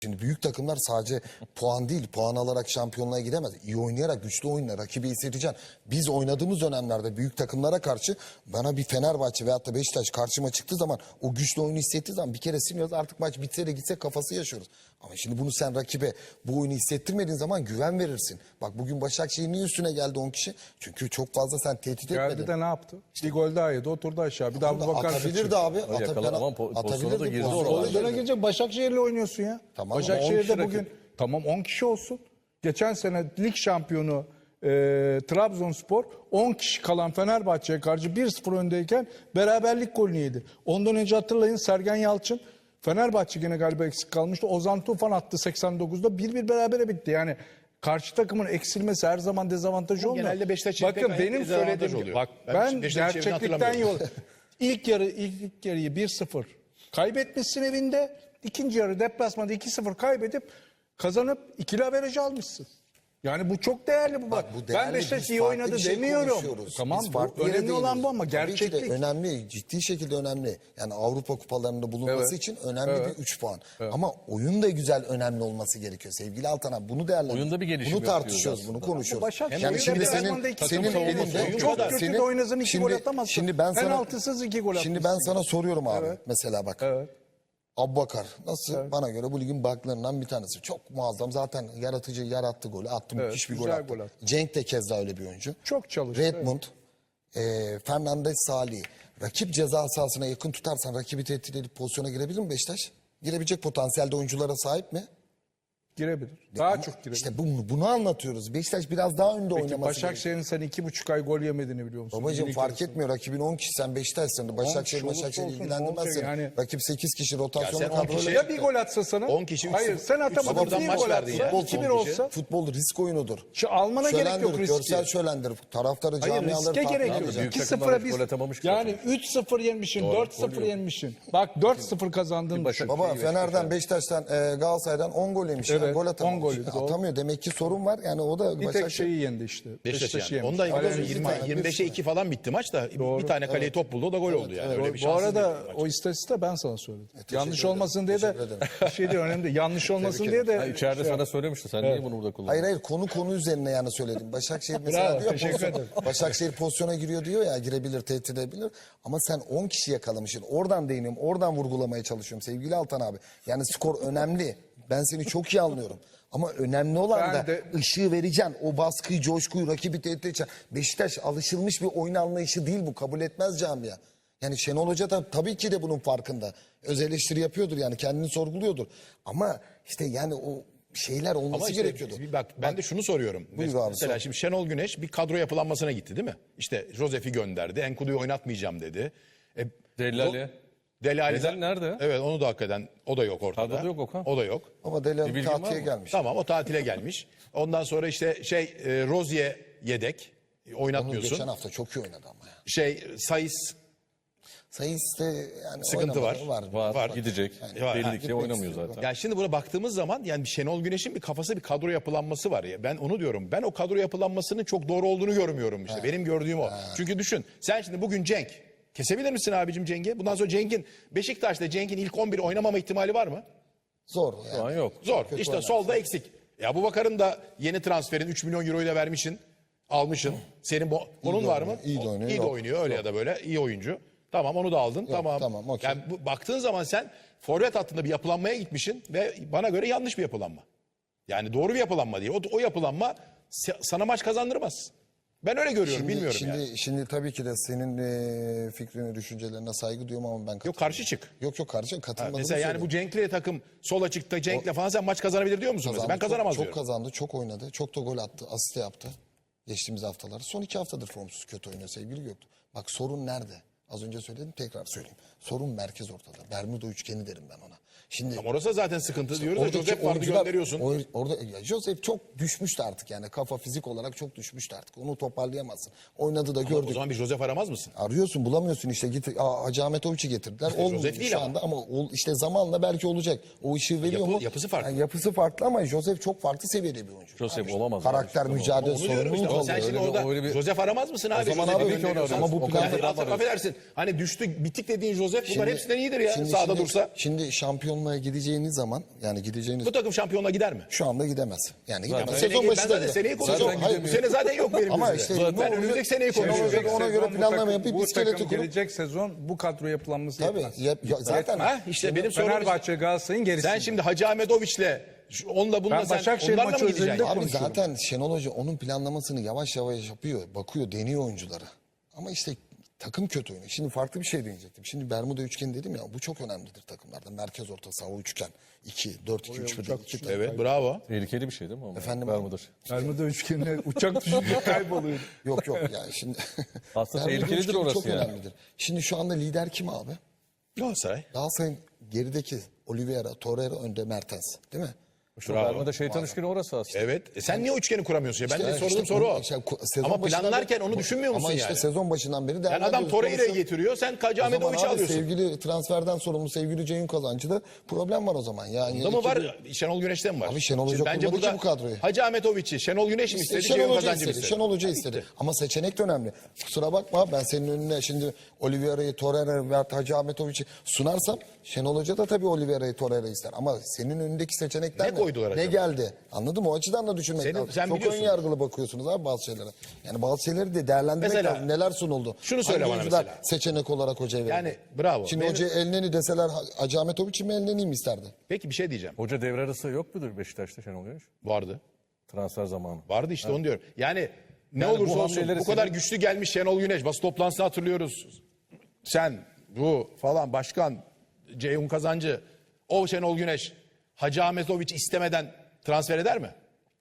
Şimdi büyük takımlar sadece puan değil, puan alarak şampiyonluğa gidemez. İyi oynayarak, güçlü oyunla rakibi hissedeceksin. Biz oynadığımız dönemlerde büyük takımlara karşı bana bir Fenerbahçe veyahut da Beşiktaş karşıma çıktığı zaman o güçlü oyunu hissettiği zaman bir kere siniyoruz. Artık maç bitse de gitse kafası yaşıyoruz. Ama şimdi bunu sen rakibe bu oyunu hissettirmediğin zaman güven verirsin. Bak bugün Başakşehir niye üstüne geldi 10 kişi? Çünkü çok fazla sen tehdit etmedin. Geldi de ne yaptı? Bir gol daha yedi, oturdu aşağı. Bir daha bu bakar. Atabilirdi abi. Pozisyona da girdi Pozisyona girecek, Başakşehir'le oynuyorsun ya. Tamam, Başakşehir'de bugün tamam 10 kişi olsun. Geçen sene lig şampiyonu Trabzonspor 10 kişi kalan Fenerbahçe'ye karşı 1-0 öndeyken beraberlik golünü yedi. Ondan önce hatırlayın Sergen Yalçın Fenerbahçe gene galiba eksik kalmıştı. Ozan Tufan attı 89'da 1-1 berabere bitti. Yani karşı takımın eksilmesi her zaman dezavantaj olmuyor. Genelde Beşiktaş bakın benim söylediğim oluyor. bak ben gerçeklikten yol. İlk yarıyı 1-0 kaybetmişsin evinde. İkinci yarı deplasmanda 2-0 kaybedip kazanıp ikili averajı almışsın. Yani bu çok değerli bu. Bak, bu değerli, ben Beşiktaş biz iyi farklı oynadı bir şey demiyorum. konuşuyoruz. Tamam Biz bu farklı yere önemli olan değiniyoruz. bu ama Tabii ki de gerçeklik. önemli, ciddi şekilde önemli. Yani Avrupa kupalarında bulunması Evet. için önemli Evet. bir 3 puan. Evet. Ama oyun da güzel önemli olması gerekiyor. Sevgili Altan abi bunu değerlendiriyoruz. Oyunda bir gelişim Bunu tartışıyoruz, yapıyoruz bunu konuşuyoruz. Başakşehir Yani şimdi senin elinde çok kötü de oynasın 2 gol atamazsın. Şimdi ben sana penaltısız 2 gol atmışsın. Şimdi ben sana soruyorum abi. Evet. Mesela bak. Evet. Abbakar nasıl? Bana göre bu ligin baklarından bir tanesi. Çok muazzam. Zaten yaratıcı, yarattı golü. Attı, müthiş bir gol güzel attı. gol attı. Cenk de keza öyle bir oyuncu. Çok çalıştı. Redmond, Fernandez, Salih. Rakip ceza sahasına yakın tutarsan rakibi tehdit edip pozisyona girebilir mi Beşiktaş? Girebilecek potansiyelde oyunculara sahip mi? Girebilir. Daha Ama çok girebilir. İşte bunu anlatıyoruz. Beşiktaş biraz daha önde Peki oynaması gerekiyor. Başakşehir'in sen 2,5 ay gol yemediğini biliyor musun? Babacığım Bir fark ikisi. etmiyor. Rakibin 10 kişi sen Beşiktaş'sın. Başakşehir olursa olsun, ilgilendirmez olacak seni. yani. Rakip 8 kişi rotasyonla Ya sen 10 kadroyla. kişi- Ya bir gol atsa sana? 10 kişi, üç Hayır sıfır- sen üç atamadın. sıfırdan Bir maç gol verdi atsa ya. 2-1 olsa. Futbol risk oyunudur. Almana gerek yok Şölendir, riske. görsel şölendir. Taraftarı Hayır camiaları riske farklı gerek yok. alacak. Büyük 2-0'a takımlar biz gol atamamış ki yani 3-0 yenmişsin, 4-0 yenmişsin. Bak 4-0 kazandın. düşün. Baba Fener'den, Beşiktaş'tan, Galatasaray'dan 10 gol yemiş. Evet, Yani gol 10 atamamış. golü, doğru. Atamıyor. Demek ki sorun var. Yani o da Bir tek Başakşehir. şeyi yendi işte. Beşiktaş Beşiktaş'ı yani. yemiş. Ondan Alenen 25'e 2 falan bitti maç da bir tane kaleye top buldu o da gol oldu yani. Öyle bir Bu şanssız arada bir maç. o istatistiği ben sana söyledim. Yanlış ederim. olmasın diye de Teşekkür ederim. bir şey değil önemli değil. Yanlış olmasın diye de İçeride sana söylemişti. Sen niye bunu burada kullandın? Hayır konu üzerine yani söyledim. Başakşehir mesela Bravo, diyor teşekkür ederim. Başakşehir pozisyona giriyor diyor ya girebilir, tehdit edebilir. Ama sen 10 kişi yakalamışsın. Oradan değiniyorum. Oradan vurgulamaya çalışıyorum sevgili Altan abi. Yani skor önemli. Ben seni çok iyi anlıyorum. Ama önemli olan Ben da de- ışığı vereceksin. O baskıyı, coşkuyu, rakibi tehdit edeceksin. Beşiktaş alışılmış bir oyun anlayışı değil bu. Kabul etmez camia. Yani Şenol Hoca da tabii ki de bunun farkında. Öz eleştiri yapıyordur yani kendini sorguluyordur. Ama işte yani o şeyler olması Ama işte gerekiyordu. bak ben de şunu soruyorum. Buyur abi, Mesela sor. şimdi Şenol Güneş bir kadro yapılanmasına gitti değil mi? İşte Josef'i gönderdi. Enkudu'yu oynatmayacağım dedi. Delali. Deli Ali Delali nerede? Evet onu da hakikaten o da yok ortada. Kadroda yok Okan. O da yok. Ama Bir Delali bilgin var tatile mı? gelmiş. Tamam o tatile gelmiş. Ondan sonra işte Rozier yedek Onu oynatmıyorsun. geçen hafta çok iyi oynadı ama ya. Sayıs Sayısı yani Sıkıntı oynamadı, Var. Gidecek. Var. Belli ki Gitmek oynamıyor istiyor. zaten. yani şimdi buna baktığımız zaman yani Şenol Güneş'in bir kafası bir kadro yapılanması var ya. Ben onu diyorum. Ben o kadro yapılanmasının çok doğru olduğunu görmüyorum işte. Benim gördüğüm o. Çünkü düşün. Sen şimdi bugün Cenk kesebilir misin abicim Cenk'i? Bundan sonra Cenk'in ilk 11 oynamama ihtimali var mı? Zor Şu yani. an yok. Zor. Kötü İşte oynar. solda eksik. Ya bu Bakar'ın da yeni transferin 3 milyon euroyu da vermişsin. Almışsın. Senin onun var mı? iyi de oynuyor, İyi de yok. oynuyor öyle ya da böyle. İyi oyuncu. Tamam onu da aldın. Tamam. tamam, okey. Yani baktığın zaman sen forvet hattında bir yapılanmaya gitmişsin ve bana göre yanlış bir yapılanma. Yani doğru bir yapılanma değil. O yapılanma sana maç kazandırmaz. Ben öyle görüyorum. Bilmiyorum yani. Şimdi tabii ki de senin fikrine, düşüncelerine saygı duyuyorum ama ben katılmıyorum. Yok karşı çık. Yok karşı katılmadığımı Mesela yani söylüyorum. bu Cenk'le takım sola çıktı. Cenk'le falan sen maç kazanabilir diyor musun mesela? Ben kazanamaz çok diyorum. kazandı, çok oynadı. Çok da gol attı, asist yaptı. Geçtiğimiz haftalarda. Son 2 haftadır formsuz kötü oynuyor sevgili Göktuğ. Bak sorun nerede? Az önce söyledim tekrar söyleyeyim. Sorun merkez ortada. Bermuda üçgeni derim ben ona. Şimdi Ama orası zaten sıkıntı diyoruz da oradaki Josef vardı oyuncular- gönderiyorsun. Orada ya Josef çok düşmüştü artık yani. Kafa fizik olarak çok düşmüştü artık. Onu toparlayamazsın. Oynadı da O gördük. zaman bir Josef aramaz mısın? Arıyorsun bulamıyorsun işte git Hacı Ahmet Oviç'i getirdiler. Olmuyor Josef değil şu ama. anda ama işte zamanla belki olacak. O ışığı veriyor mu? Yapısı farklı. Yani yapısı farklı ama Josef çok farklı seviyede bir oyuncu. Josef olamaz. Karakter, abi. mücadele, Onu diyorum işte. sorumluluk Ama sen oluyor. şimdi Öyle bir- orada öyle bir- Josef aramaz mısın abi? zaman Josef'i abi, gönderiyorsan. ama bu planda- Yani affedersin. Hani düştü bitik dediğin Josef bunlar hepsinden iyidir ya. Sağda şimdi, dursa. Şimdi şampiyonluk şampiyonluğa gideceğiniz zaman yani gideceğiniz Bu takım şampiyonluğa gider mi? şu anda gidemez. Yani gidemez. Ben Sezon başı da zaten gider. seneyi konuşuyorum. Hayır, Bu sene zaten yok benim Ama gözümde. işte Ben ne önümüzdeki seneyi Şenol konuşuyorum. Hoca ona göre Sezon planlama yapıp bu iskeleti takım kurup gelecek sezon bu kadro yapılanması tabii yetmez. zaten Ha, işte benim sorum Fenerbahçe Galatasaray'ın gerisi. sen şimdi Hacı Ahmetoviç'le onunla bununla Ben sen Başakşehir onlarla maçı mı gideceksin? özelinde abi konuşuyorum. zaten Şenol Hoca onun planlamasını yavaş yavaş yapıyor. Bakıyor, deniyor oyuncuları. Ama işte takım kötü oynuyor. Şimdi farklı bir şey diyecektim. Şimdi Bermuda üçgeni dedim ya bu çok önemlidir takımlarda. Merkez orta saha o üçgen. 2-4-2-3-1'de. Evet, bravo. Tehlikeli bir şey değil mi? Ama? Efendim Bermuda. Bermuda üçgenine uçak düşünce kayboluyor. Yok yani şimdi. Aslında Bermuda tehlikelidir üçgeni orası çok yani. önemlidir. Şimdi şu anda lider kim abi? Galatasaray. Galatasaray'ın gerideki Oliveira, Torreira, önde Mertens. Değil mi? Şu Bravo. Bermuda şeytan üçgeni orası aslında. Evet. Sen niye üçgeni kuramıyorsun ya? Ben de İşte sorduğum soru o. sezon Ama başından planlarken beri- onu düşünmüyor musun ama işte yani? sezon başından beri Yani adam değerlendiriyoruz. Torreira'yı Sonuçta- getiriyor. Sen Hacı O zaman Ahmetoviç'i abi alıyorsun. sevgili transferden sorumlu sevgili Ceyhun Kazancı'da problem var o zaman. Yani Bunda mı ekibi- var? Şenol Güneş'te mi var? Abi Şenol Hoca Şimdi bence kurmadı ki burada bu kadroyu. Hacı Ahmetoviç'i, Şenol Güneş mi istedi? Şenol Ceyhun Hoca Kazancı mı istedi. istedi? Şenol Hoca istedi. Ama seçenek de önemli. Kusura bakma ben senin önüne şimdi Oliveira'yı, Torreira'yı veya Hacı Ahmetoviç'i sunarsam Şenol Hoca da tabii Oliveira'yı, Torreira'yı ister. Ama senin önündeki seçenekler Ne koydular ne acaba? geldi? Anladın mı? O açıdan da düşünmek Senin- lazım. sen Çok biliyorsun. ön yargılı bakıyorsunuz abi bazı şeylere. Yani bazı şeyleri de değerlendirmek Mesela- lazım. Neler sunuldu? Şunu söyle Hangi bana oyuncular mesela. seçenek olarak hocaya verildi? Yani bravo. Şimdi Benim- hoca Elneni deseler Hacı Ahmetoviç'i mi Elneni'yi mi isterdi? Peki bir şey diyeceğim. Hoca devre arası yok mudur Beşiktaş'ta Şenol Güneş? Vardı. Transfer zamanı. Vardı işte onu diyorum. Yani ne Yani bu olursa olsun hamleleri bu kadar senin- güçlü gelmiş Şenol Güneş. Basın toplantısını hatırlıyoruz. Sen, bu falan başkan, Ceyhun Kazancı, o Şenol Güneş Hacı Ahmetoviç istemeden transfer eder mi?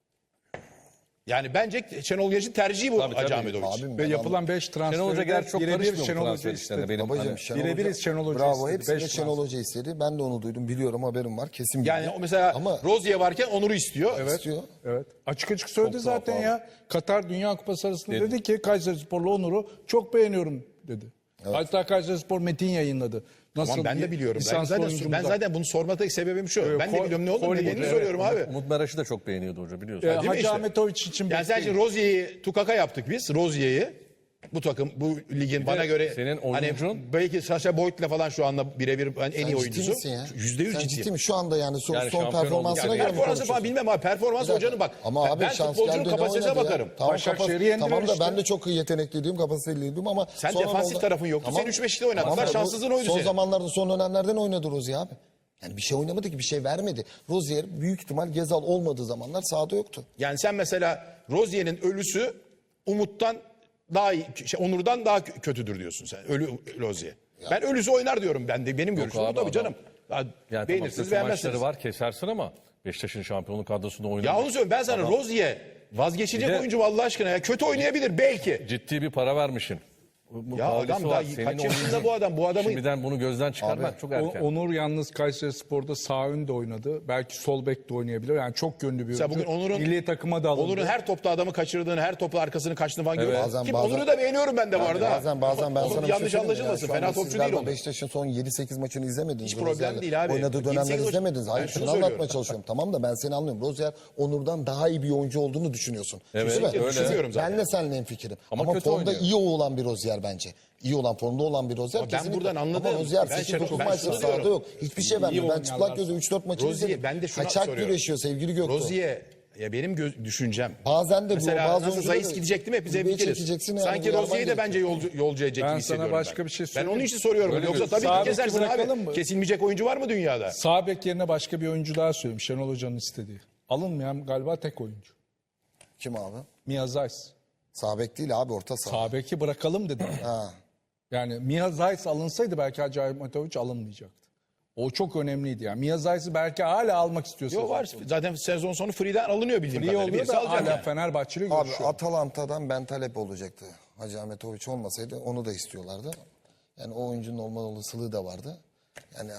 Yani bence Şenol Güneş'in tercihi bu Tabii, Hacı tabii. Ahmetoviç. Abim Ve ben yapılan 5 Şenol Hoca transferde gerçi çok birebir karışmıyor bu Şenol Hoca transfer işlerine. istedi. Benim Babacığım hani- Şenol Birebir Hoca, Şenol Hoca bravo istedi. hepsini Beş Şenol Hoca istedi. Ben de onu duydum biliyorum haberim var kesin bilgi. Yani o mesela Ama Rozier varken Onur'u istiyor. istiyor. Evet. Açık açık söyledi zaten ya. Katar Dünya Kupası arasında dedi ki Kayserispor'la Onur'u çok beğeniyorum dedi. Hatta Kayserispor metin yayınladı. Nasıl Tamam ben de biliyorum. Ben zaten bunu sormadaki sebebim şu. Ben de biliyorum ne olur. Nedenini soruyorum abi. Umut Meraş'ı da çok beğeniyordu hoca biliyorsun. Değil mi Hacı işte? Ahmetoviç için Yani sen şimdi Rozier'i tukaka yaptık biz. Rozier'i. Bu takım, bu ligin bana göre senin oyuncun- hani belki Sasha Boyd'la falan şu anda birebir en iyi Sen ciddi oyuncusu. misin ya? %100 Sen ciddiyim. ciddi mi? Şu anda yani son, Yani son şampiyon performansına olduk. göre mi Performansı falan konuşuyorsun? bilmem abi. Performans Bir dakika. hocanın bak. Ama abi ben şans futbolcunun geldi, ne kapasitesine oynadı ya? bakarım. Tamam, Başakşehir'i yendiler tamam da işte. ben de çok yetenekliydim, kapasiteliydim ama... Sen sonra defansif oldu- tarafın yoktu. Sen 3-5'te oynattılar, Tamam da bu şanssızlığın oydu Son senin. zamanlarda, son dönemlerden oynadı Rozier abi. Yani bir şey oynamadı ki, bir şey vermedi. Rozier büyük ihtimal Gezal olmadığı zamanlar sahada yoktu. Yani sen mesela Rozier'in ölüsü Umut'tan daha iyi, Onur'dan daha kötüdür diyorsun sen. Ölü Rozier. Ben ölüsü oynar diyorum ben de. Benim görüşüm bu abi, tabii adam- canım. Ya, Yani beğenirsiniz tamam, kötü beğenmezsiniz. maçları var kesersin ama Beşiktaş'ın şampiyonluk kadrosunda oynadı. Ya onu söylüyorum ben sana Rozier vazgeçecek Bir de- oyuncu Allah aşkına ya. Kötü oynayabilir belki. Ciddi bir para vermişsin. Bu Ya pahalisi adam var. daha Senin kaç yaşında oyuncun- bu adam? Bu adamı Şimdiden bunu gözden çıkarmak çok erken. Onur yalnız Kayserispor'da sağ önde oynadı. Belki sol bek de oynayabilir. Yani çok yönlü bir Mesela oyuncu. bugün Onur'un- Milli takıma da alındı. Onur'un her topta adamı kaçırdığını, her topla arkasını kaçtığını falan görüyorum. Bazen- Ki bazen- Onur'u da beğeniyorum ben de bu arada. Bazen ben Onur sana bir şey yanlış söyleyeyim mi? anlaşılmasın. Yani şu Fena anda topçu sizler değil de Onur. Beşiktaş'ın son 7-8 maçını izlemediniz. Hiç problem Rozier'le değil abi. Oynadığı 7-8 dönemleri maç- izlemediniz. Hayır Ben şunu şunu anlatmaya söylüyorum. çalışıyorum. Tamam da ben seni anlıyorum. Rozier Onur'dan daha iyi bir oyuncu olduğunu düşünüyorsun. Evet, Değil mi? öyle. Düşünüyorum zaten. Ben de seninle hemfikirim. Ama Ama kötü formda oynuyor. iyi olan bir Rozier bence. İyi olan, formda olan bir Rozier Ama ben kesinlikle. buradan anladım. Ama Rozier Ben 8-9 şunu maçta sahada diyorum. yok. Hiçbir şey vermiyor. Ben oynayanlar çıplak gözle 3-4 maçını Rozier, izledim. ben de şunu Kaçak soruyorum. güreşiyor sevgili Göktuğ. Rozier ya benim düşüncem. Bazen de Mesela bazı nasıl oyuncuları Zayis gidecek değil mi? Hepimiz kulübeye hemfikiriz. çekeceksin yani, Sanki uyarman Rozier'i de gerekiyor. bence yolcu edecek Ben gibi sana hissediyorum başka ben. bir şey Ben söyleyeyim onun mi? için soruyorum. Öyle Yoksa diyorsun. tabii Sağ ki beki kesersin bırakalım abi. mı? Kesilmeyecek oyuncu var mı dünyada? Sağ bek yerine başka bir oyuncu daha söyleyeyim. Şenol Hoca'nın istediği. Alınmayan galiba tek oyuncu. Kim abi? Mia Zeiss. Sağ bek değil abi, orta saha. Sağ beki bırakalım dedim. Ha. Yani Mia Zeiss alınsaydı belki Hacı Ahmetoviç alınmayacaktı. O çok önemliydi yani. Mia Zeiss'i belki hala almak istiyorsa. Yok var. Zaten sezon sonu free'den alınıyor bildiğim İyi kadarıyla. oluyor Birisi da alacak hala yani. Fenerbahçeli Abi görüşüyor. Atalanta'dan Ben Talep olacaktı. Hacı Ahmetoviç olmasaydı onu da istiyorlardı. Yani o oyuncunun olma olasılığı da vardı. Yani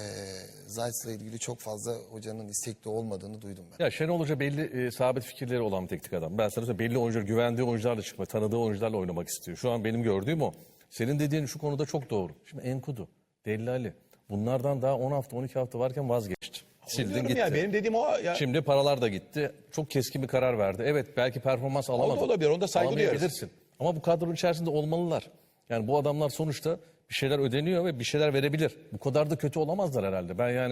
Zayt'la ilgili çok fazla hocanın istekli olmadığını duydum ben. Ya Şenol Hoca belli sabit fikirleri olan bir teknik adam. Ben sana söyleyeyim belli oyuncular, güvendiği oyuncularla çıkma, tanıdığı oyuncularla oynamak istiyor. Şu an benim gördüğüm o. Senin dediğin şu konuda çok doğru. Şimdi Enkudu, Dellali bunlardan daha 10 hafta 12 hafta varken vazgeçti. Sildin Diyorum gitti. ya benim dediğim o ya. Şimdi paralar da gitti. Çok keskin bir karar verdi. Evet belki performans alamadı. olabilir, onda saygı Alamayabilirsin. Ama bu kadronun içerisinde olmalılar. Yani bu adamlar sonuçta bir şeyler ödeniyor ve bir şeyler verebilir. Bu kadar da kötü olamazlar herhalde. Ben yani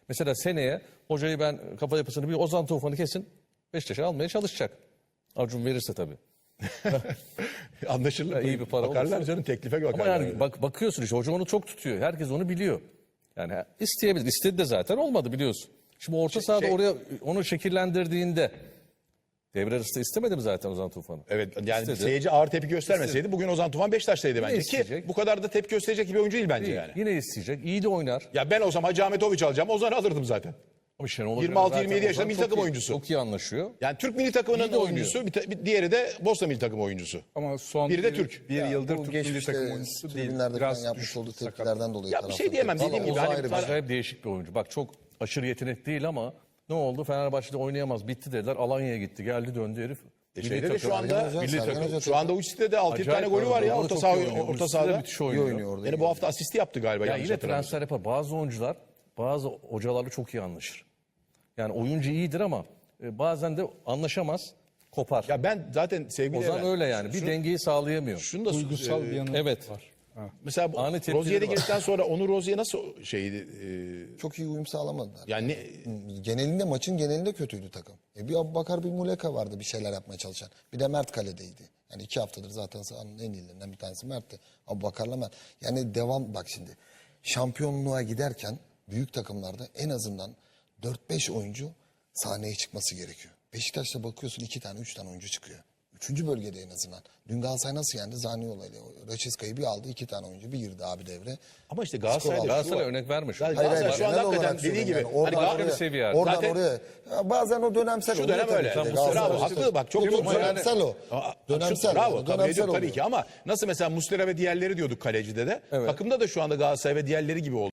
Mesela seneye hocayı ben kafa yapısını bir Ozan Tufan'ı kesin Beşiktaş'a almaya çalışacak. Acun verirse tabii. Anlaşılır. iyi bir para Bakarlar olursa. canım, teklife Ama bakarlar. yani bakıyorsun işte hoca onu çok tutuyor. Herkes onu biliyor. Yani isteyebilir. İstedi de zaten olmadı biliyorsun. Şimdi orta sahada oraya onu şekillendirdiğinde devre arası da istemedi mi zaten Ozan Tufan'ı? Evet, yani İstedi. seyirci ağır tepki göstermeseydi bugün Ozan Tufan Beşiktaş'taydı bence. Ki isteyecek. bu kadar da tepki gösterecek bir oyuncu değil bence Değil. yani. Yine isteyecek. İyi de oynar. Ya ben olsam Hacı Ahmetoviç alacağım, Ozan'ı alırdım zaten. Ama Şenol Hoca 26-27 zaten yaşında Ozan milli çok takım iyi- oyuncusu. Çok iyi anlaşıyor. Yani Türk milli takımının İyi de oynuyor. oyuncusu, bir diğeri de Bosna milli takım oyuncusu. Ama son Biri de Türk. bir yıldır Bu Türk milli geçmişte takım oyuncusu değil. tribünlerde Biraz falan yapmış düşük, olduğu sakat. tepkilerden dolayı. Ya bir şey taraftar diyemem, tepki. dediğim gibi Vallahi hani o ayrı bir para- şey. Acayip değişik bir oyuncu. Bak çok aşırı yetenek değil ama ne oldu? Fenerbahçe'de oynayamaz. Bitti dediler. Alanya'ya gitti. Geldi döndü herif. Milli Şeyde de takım. şu anda Sergen Hoca, Sergen Hoca şu anda Uçit'te de 6-7 Acayip tane golü var ya oynuyor. orta Çok saha iyi oynuyor. orta Ulus da sahada. müthiş İyi oynuyor. oynuyor orada. Yani bu hafta asisti yaptı galiba. Ya yanlış yine hatırlamıyorsam. transfer yapar. Bazı oyuncular bazı hocalarla çok iyi anlaşır. Yani oyuncu iyidir ama bazen de anlaşamaz, kopar. Ya ben zaten sevgili Ozan Eren, öyle yani. Bir dengeyi sağlayamıyor. şunu da Duygusal bir yanı Evet. var. Ha. mesela bu Ani tepkileri Rozier'e var. girdikten sonra Onur Rozier nasıl şeydi? Çok iyi uyum sağlamadılar. Yani Genelinde maçın genelinde kötüydü takım. Bir Abubakar bir Muleka vardı bir şeyler yapmaya çalışan. Bir de Mert kaledeydi. Yani 2 haftadır zaten sahanın en iyilerinden bir tanesi Mert'ti. Abubakar'la Mert. Yani devam bak şimdi. Şampiyonluğa giderken büyük takımlarda en azından 4-5 oyuncu sahneye çıkması gerekiyor. Beşiktaş'ta bakıyorsun 2 tane 3 tane oyuncu çıkıyor. 3. bölgede en azından. Dün Galatasaray nasıl yendi? Zaniolo'yla. Raşiska'yı bir aldı 2 tane oyuncu. Bir girdi abi devre. ama işte Galatasaray'da şu Galatasaray var. örnek vermiş. Galatasaray şu anda genel hakikaten olarak dediği gibi. söylüyorum yani. Hani Oradan başka bir oraya, seviye. Oradan Zaten- oraya. Ya bazen o dönemsel Şu oluyor dönem tabii öyle. ki de. Bravo, Galatasaray haklı işte. bak, çok Çok doğru. dönemsel o. Dönemsel. Bravo, yani, kabul dönemsel ediyorum tabii oluyor. ki ama nasıl mesela Muslera ve diğerleri diyorduk kalecide de. Takımda da şu anda Galatasaray ve diğerleri gibi oldu.